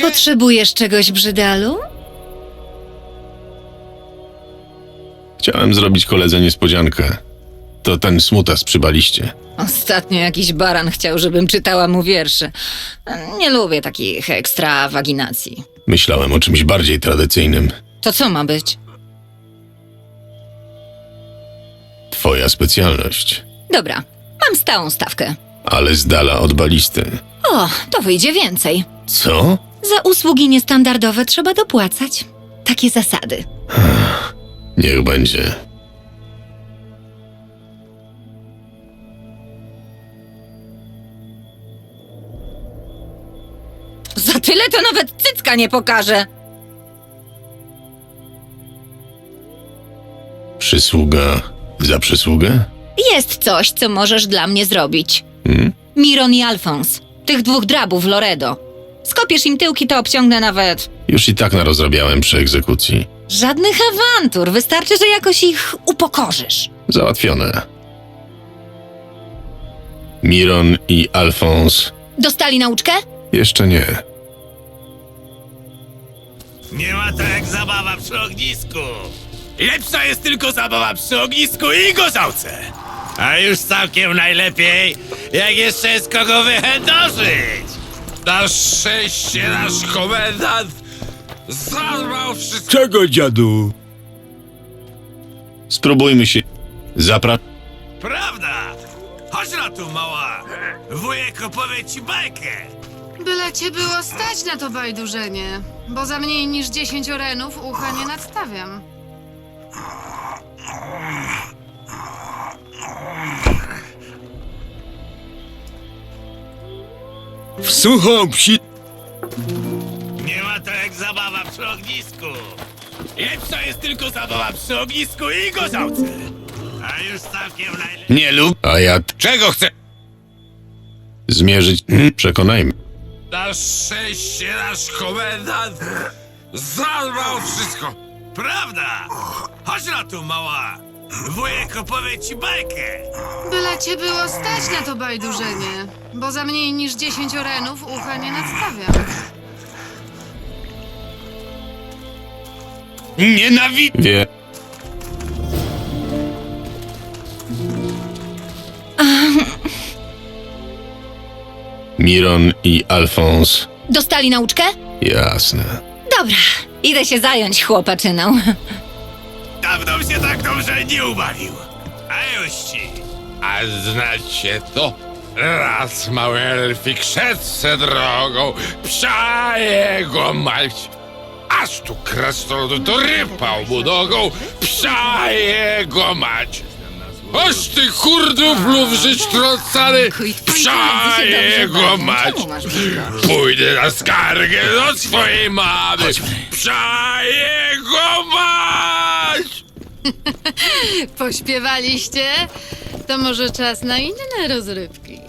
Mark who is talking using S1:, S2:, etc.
S1: Potrzebujesz czegoś, Brzydalu?
S2: Chciałem zrobić koledze niespodziankę. To ten smutas przy baliście.
S1: Ostatnio jakiś baran chciał, żebym czytała mu wiersze. Nie lubię takich ekstrawaginacji.
S2: Myślałem o czymś bardziej tradycyjnym.
S1: To co ma być?
S2: Twoja specjalność.
S1: Dobra, mam stałą stawkę.
S2: Ale z dala od balisty.
S1: O, to wyjdzie więcej.
S2: Co?
S1: Za usługi niestandardowe trzeba dopłacać. Takie zasady.
S2: Niech będzie.
S1: Za tyle to nawet cycka nie pokaże.
S2: Przysługa za przysługę?
S1: Jest coś, co możesz dla mnie zrobić.
S2: Hmm?
S1: Miron i Alfons. Tych dwóch drabów Loredo. Skopiesz im tyłki, to obciągnę nawet.
S2: Już i tak narozrabiałem przy egzekucji.
S1: Żadnych awantur. Wystarczy, że jakoś ich upokorzysz.
S2: Załatwione. Miron i Alfons
S1: Dostali nauczkę?
S2: jeszcze nie.
S3: Nie ma to jak zabawa przy ognisku. Lepsza jest tylko zabawa przy ognisku i gorzałce. A już całkiem najlepiej, jak jeszcze jest kogo wychędożyć.
S4: Na szczęście nasz komendant zarwał wszystko.
S5: Czego, dziadu?
S2: Spróbujmy się.
S3: Prawda? Chodź na tu, mała. Wujek opowie ci bajkę.
S6: Byle cię było stać na to bajdurzenie, bo za mniej niż 10 orenów ucha nie nadstawiam.
S5: W suchą psi...
S3: Nie ma to jak zabawa przy ognisku. Lepsza jest tylko zabawa przy ognisku i gorzałce. A już całkiem najlepiej.
S2: Nie lub. A ja
S4: Czego chce?
S2: zmierzyć. Przekonajmy.
S4: Na szczęście nasz komendant zarwał wszystko.
S3: Prawda? Chodź na tu, mała. Wujek opowie ci bajkę.
S6: Byle cię było stać na to bajdurzenie, bo za mniej niż 10 orenów ucha nie nadstawiam.
S2: Wie. Miron i Alfons.
S1: Dostali nauczkę?
S2: Jasne.
S1: Dobra, idę się zająć chłopaczyną.
S3: Dawno się tak dobrze nie ubawił. A już ci.
S4: A znacie to? Raz mały elfik szedł se drogą, psia jego mać. Aż tu krasnolud dorypał mu nogą, psia jego mać. Oż ty kurduflów żyć trącany, psia jego mać. Pójdę na skargę do swojej mamy, psia jego mać.
S6: Pośpiewaliście? To może czas na inne rozrywki.